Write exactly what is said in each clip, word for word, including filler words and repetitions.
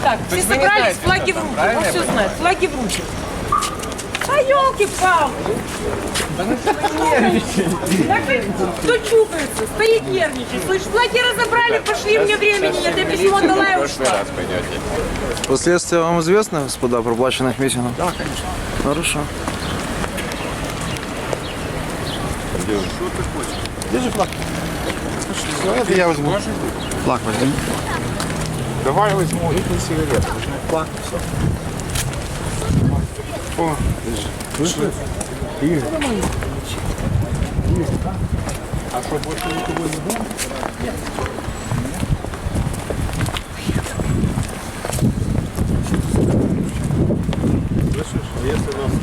Так, все собрались, флаги в руки. Он все знает, флаги в руки. А елки-палки! Так кто чукается, стоит нервничает. Слышь, флаги разобрали, пошли, мне времени нет, я письмо дала и ушла. Последствия вам известны, господа, проплаченных митингов? Да, конечно. Хорошо. Что ты хочешь? Держи флаг. Все, это я возьму. Флаг возьму. Давай возьму и ты сигарету. Флаг, все. О, держи. Слышишь? Игорь. А что, больше никого не будет? Нет. Слышишь, если нас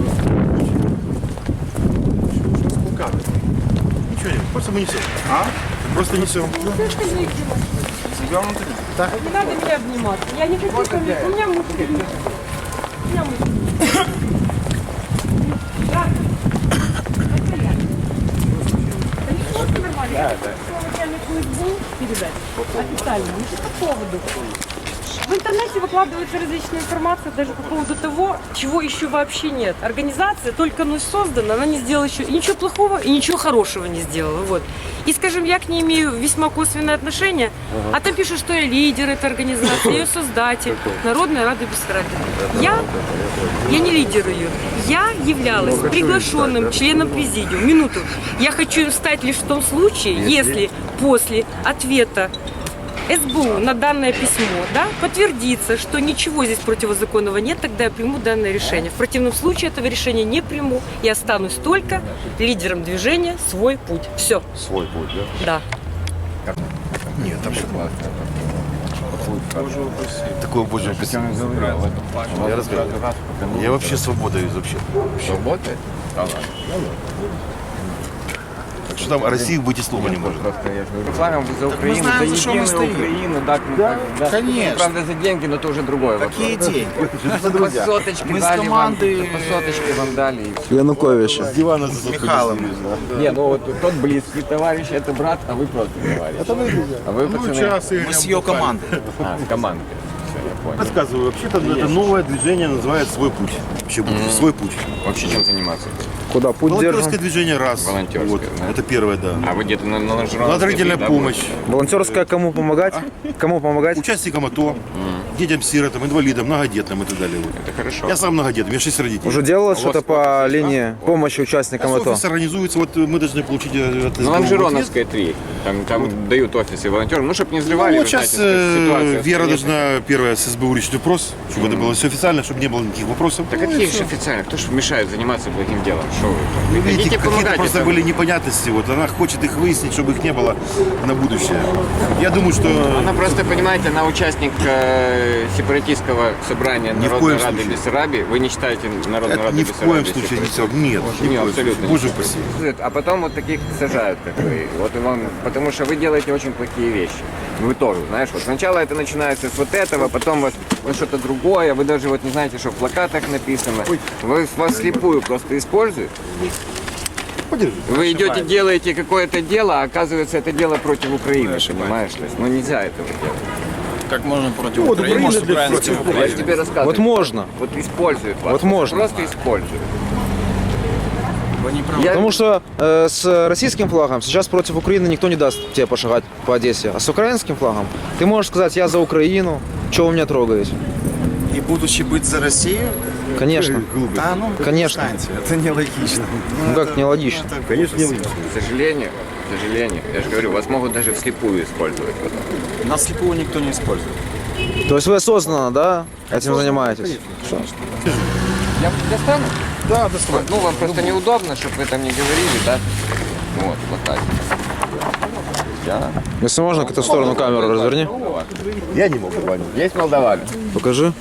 ничего нет, просто мы несем. А? Просто несем. Ну ты что не Завернуто? Так. Не надо меня обнимать. Я не хочу с вами. У меня муж. У меня муж. Да. Да, да. Передать официально. Ну, по поводу. В интернете выкладывается различная информация даже по поводу того, чего еще вообще нет. Организация только ну создана, она не сделала еще и ничего плохого, и ничего хорошего не сделала. Вот. И, скажем, я к ней имею весьма косвенное отношение, ага. А там пишут, что я лидер этой организации, ее создатель, Народная Рада Бессарабии. Я, я не лидер ее. Я являлась приглашенным членом президиума. Минуту. Я хочу им стать лишь в том случае, если после ответа эс бэ у на данное письмо, да, подтвердится, что ничего здесь противозаконного нет, тогда я приму данное решение. В противном случае этого решения не приму и останусь только лидером движения «Свой путь». Все. Свой путь, да? Да. Нет, там все классно. Такое боже описание. Я разговариваю. Я вообще свободой вообще. Свобода? Да ладно. Что там о России быть и слова не может. Рекламим за Украину, знаем, за за что мы единую стоим. Украину, да, Да, да. конечно. Ну, правда, за деньги, но это уже другое. Какие вопрос. деньги? По соточке Мы с дали командой, вам, по соточке вам дали. И все. Януковича. С дивана за Михайлом. Не, ну вот тот близкий товарищ, это брат, а вы просто товарищ. Это вы, а вы пацаны. Мы с ее командой. А, с командой. Все, я понял. Рассказываю, вообще-то это новое движение называется «Свой путь». Вообще, mm-hmm. «Свой путь». Вообще чем заниматься? Куда путь Волонтерское держим? движение раз. Волонтерское, Вот. да? Это первое, да. А вы где-то на, на ножевом? Благотворительная помощь. Волонтерская кому помогать? Кому помогать? Участникам АТО, детям-сиротам, инвалидам, многодетным и так далее. Вот. Это хорошо. Я сам многодетный, у меня шесть родителей. Уже делалось А у что-то вас- по линии помощи участникам АТо? Офис организуется, вот мы должны получить э, от Ну, СБУ Лонжероновская три. Там, там дают офисы волонтерам. Ну, чтобы не взрывали. Ну, вы вот сейчас знаете, э, ситуация Вера в стране. должна первая с СБУ решить вопрос, чтобы это было все официально, чтобы не было никаких вопросов. Да Ну, и какие всё. же официально? Кто же мешает заниматься благим делом? Что вы? Ну, Идите видите, какие-то помогайте. просто там. были непонятности. Вот она хочет их выяснить, чтобы их не было на будущее. Я думаю, что Она просто, понимаете, она участник э, сепаратистского собрания Ни в Народной коем Рады случае. Бессарабии. Вы не считаете Народную это Раду ни в коем Бессарабии случае не все. сепаратистом? Нет, ни в Не, коем абсолютно. случае. Боже не упаси. считаю. А потом вот таких сажают, как вы. Вот и вам, потому что вы делаете очень плохие вещи. Вы тоже, знаешь, вот сначала это начинается с вот этого, потом вот, вот что-то другое, вы даже вот не знаете, что в плакатах написано. Вы вас слепую просто используют. Подержи. Вы идете, делаете какое-то дело, а оказывается это дело против Украины, понимаешь? То есть, ну нельзя этого делать. Как можно против Вот, Украины, Украина собираем против против Я Украины? же тебе рассказываю. Вот можно. Вот используют вас. Вот можно. Просто используют. Вы не правы. Я- Потому что э, с российским флагом сейчас против Украины никто не даст тебе пошагать по Одессе. А с украинским флагом ты можешь сказать: я за Украину, чего вы меня трогаете? И будучи быть за Россию? Конечно. Да, ну, Конечно. перестаньте, это нелогично. Ну как нелогично? Конечно, не логично. К сожалению, к сожалению, я же говорю, вас могут даже вслепую использовать потом. Нас слепого никто не использует. То есть вы осознанно, да, этим занимаетесь? Я достану? Да, доставай. Ну, вам просто неудобно, чтобы вы там не говорили, да? Вот, плакатик. Я. Если можно, к эту сторону камеру разверни. Я не могу понять. Есть молдаване? Покажи.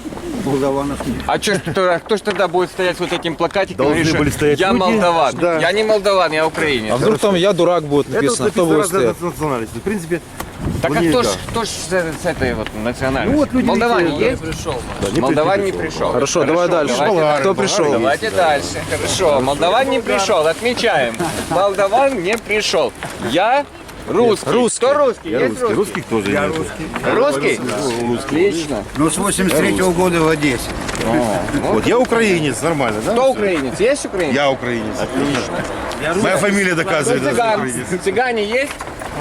А чё, ж кто, кто ж тогда будет стоять с вот этим плакатиком? Должны и говорит, были что стоять я люди. молдаван. Да. Я не молдаван, я украинец. А вдруг там я дурак будет Это вот написано? Кто написано будет разная стоять? национальность. В принципе, Так а вне- кто ж, да. кто ж с, с этой вот национальностью? Ну вот люди Молдаване летели, есть? Да, не Молдаван не пришли. пришел. Хорошо, давай дальше. давайте Болгары, Кто болгары пришел? Давайте дальше. Хорошо. Молдаван не пришел. Отмечаем. Молдаван не пришел. Я Русский. Русский. Кто русский? Есть русский? Русских тоже нет. Русский? Отлично. Ну, с восемьдесят третьего года в Одессе. Вот я украинец, нормально, да? Кто украинец? Есть украинец? Я украинец. Отлично. Моя фамилия доказывает, что я Цыган. украинец. Цыгане есть?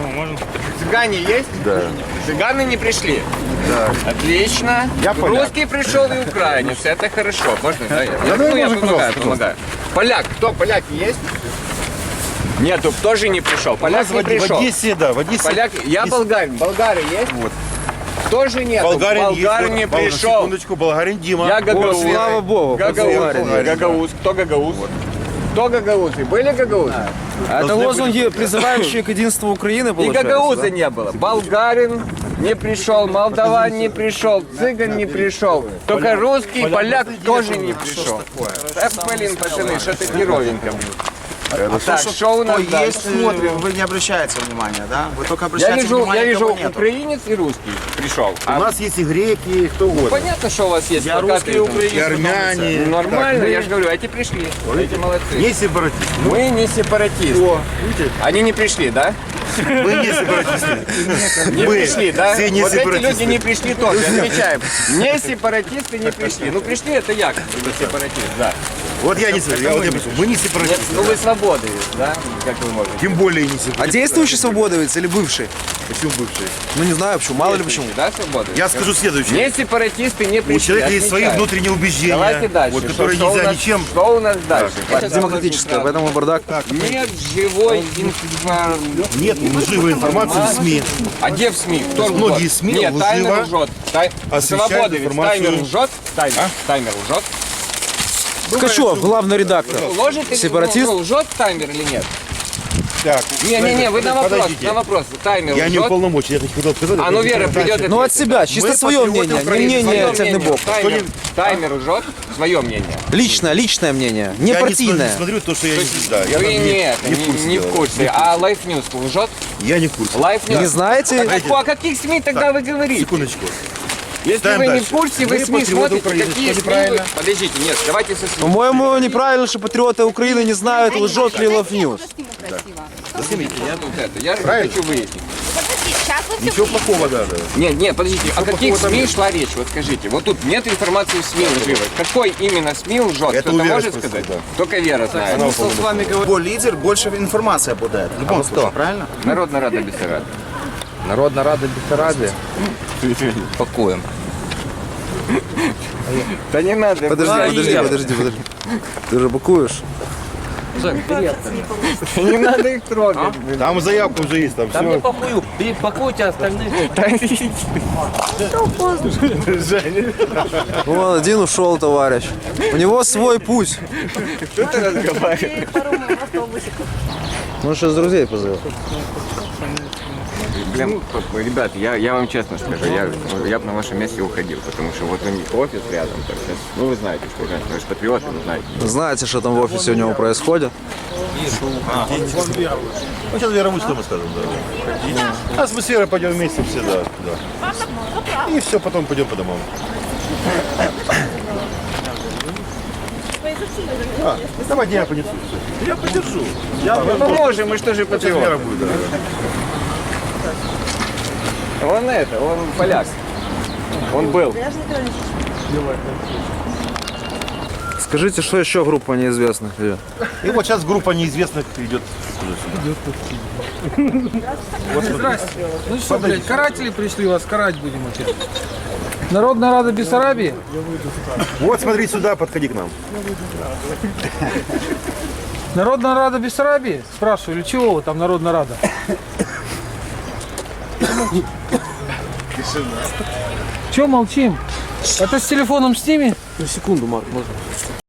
Цыгане есть? Да. Цыганы не пришли? Да. Отлично. Я поляк. Русский пришел и украинец. Это хорошо. Можно, да? Я, Да, ну, я можно, помогаю, пожалуйста, помогаю. Поляк. Кто? Поляки есть? Нету, тоже не пришел. У Поляк нас не в Оде- в пришел. Одессе, да, в Одессе. Поляк, я есть- болгарин. Болгары есть? Вот. Тоже нет. Болгарин, Болгар есть, не вот, пришел. Секундочку, болгарин Дима. Я О, гагауз. слава богу, Гагауз. Болгарин. Гагауз. Кто гагауз? Кто гагаузы? Были гагаузы? Это лозунги, призывающие к единству Украины, И получается, гагауза да? не было. Болгарин не пришел, молдаван не пришел, цыган не пришел. Только русский, поляк тоже не пришел. Так, блин, пацаны, что-то геровенько. Так, что у нас Кто дальше? есть, смотрим, вы не обращаете внимания, да? Вы только Я обращаете вижу, я внимание, вижу кого нету. украинец и русский пришел. У нас есть и греки, и кто угодно. Понятно, что у вас есть Я плакаты русский там. украинец. И армяне. Ну, Нормально, Так, я же говорю, эти пришли, эти молодцы. Не сепаратисты. Мы не сепаратисты. О, видите? Они не пришли, да? Мы не сепаратисты. Не Мы пришли, да? все не Вот эти сепаратисты. люди не пришли тоже, отмечаем. Не сепаратисты не пришли. Ну пришли, это я, как бы сепаратист, да. Вот я не сепаратист. Я вот я пришел. Мы не Нет, сепаратисты. ну вы свободы, да? Как вы можете? Тем более не сепаратисты. А действующий свободовец или бывший? Почему бывшие? Ну не знаю почему, мало ли почему. Да, свободы? Я скажу следующее. Не сепаратисты не пришли. У человека есть свои отмечаем. внутренние убеждения, Давайте дальше. вот, Что- которые что у нельзя нас- ничем. Что у нас дальше? Демократическое, поэтому бардак. Нет живой информации. Нет лживой информации в СМИ. А где в СМИ? Кто лжет? Многие СМИ Нет, лживо таймер лжет. Тай... освещают Свободы, ведь информацию. таймер лжет. Таймер, таймер лжет. Ткачев, главный редактор. Ложит или Сепаратист? ну, лжет таймер или нет? Так, Не-не-не, вы на вопрос, подождите. на вопрос. Таймер Я не лжет? уполномочен, я хотел сказать. А ну Вера придет и Ну от ответит. себя, чисто Мы свое патриоты мнение, не Украины, мнение Свое цельный мнение. бог. Таймер, таймер лжет, свое мнение. Личное, личное мнение, не Я партийное. не смотрю то, что я не да, я Вы там нет, не, не в курсе. не в дела. курсе. А Life News лжет? Я не в курсе. Life News. Не знаете? А о каких СМИ тогда вы говорите? Секундочку. Если Ставим вы не дальше. в курсе, вы Мы СМИ патриоты смотрите, Украины, какие что СМИ вы... неправильно? Подождите, нет, давайте со СМИ. По-моему, неправильно, что патриоты Украины не знают, лжет ли Love News. Я тут это, я хочу выяснить. Сейчас вы все Ничего плохого даже. Нет, нет, подождите, о каких плохого там СМИ нет? шла речь? Вот скажите, вот тут нет информации в СМИ лживой. Какой именно СМИ лжет? Это Кто-то у Веры может спросить, сказать? да. Только Вера знает. Смысл с вами говорить. Любой лидер, больше информации обладает. В любом случае, правильно? Народная рада Бессарабии. Народна рада Бессарабії. Пакуємо. Да не надо. Подожди, да, подожди, Ира. подожди, подожди. Ты же бакуешь? Не надо их трогать. Там заявка уже есть, там все. Пакую. Пакуйте остальних. Вон один ушел, товарищ. У него свой путь. Кто ты разговариваешь? Ну сейчас друзей позовет. Блин, ребят, я, я вам честно скажу, я, я бы на вашем месте уходил, потому что вот у них офис рядом, так сейчас, ну вы знаете, что вы же патриоты, вы знаете. Знаете, что там в офисе у него происходит? Ну, сейчас Вера будет, что мы скажем, да. А с Верой пойдем вместе все, да. да. И все, потом пойдем по домам. А, давайте я понесу. Я подержу. Я Мы поможем, мы что же Вера патриоты. будет, да. Он это, он поляк. Он был. Скажите, что еще группа неизвестных идет? И вот сейчас группа неизвестных идет. Ну что, блядь, каратели пришли, вас карать будем опять. Народная рада Бессарабии? Вот смотри сюда, подходи к нам. Народная рада Бессарабии? Спрашиваю, или чего вы там Народная рада? Чего молчим? Это с телефоном сними? Секунду, Марк, можно?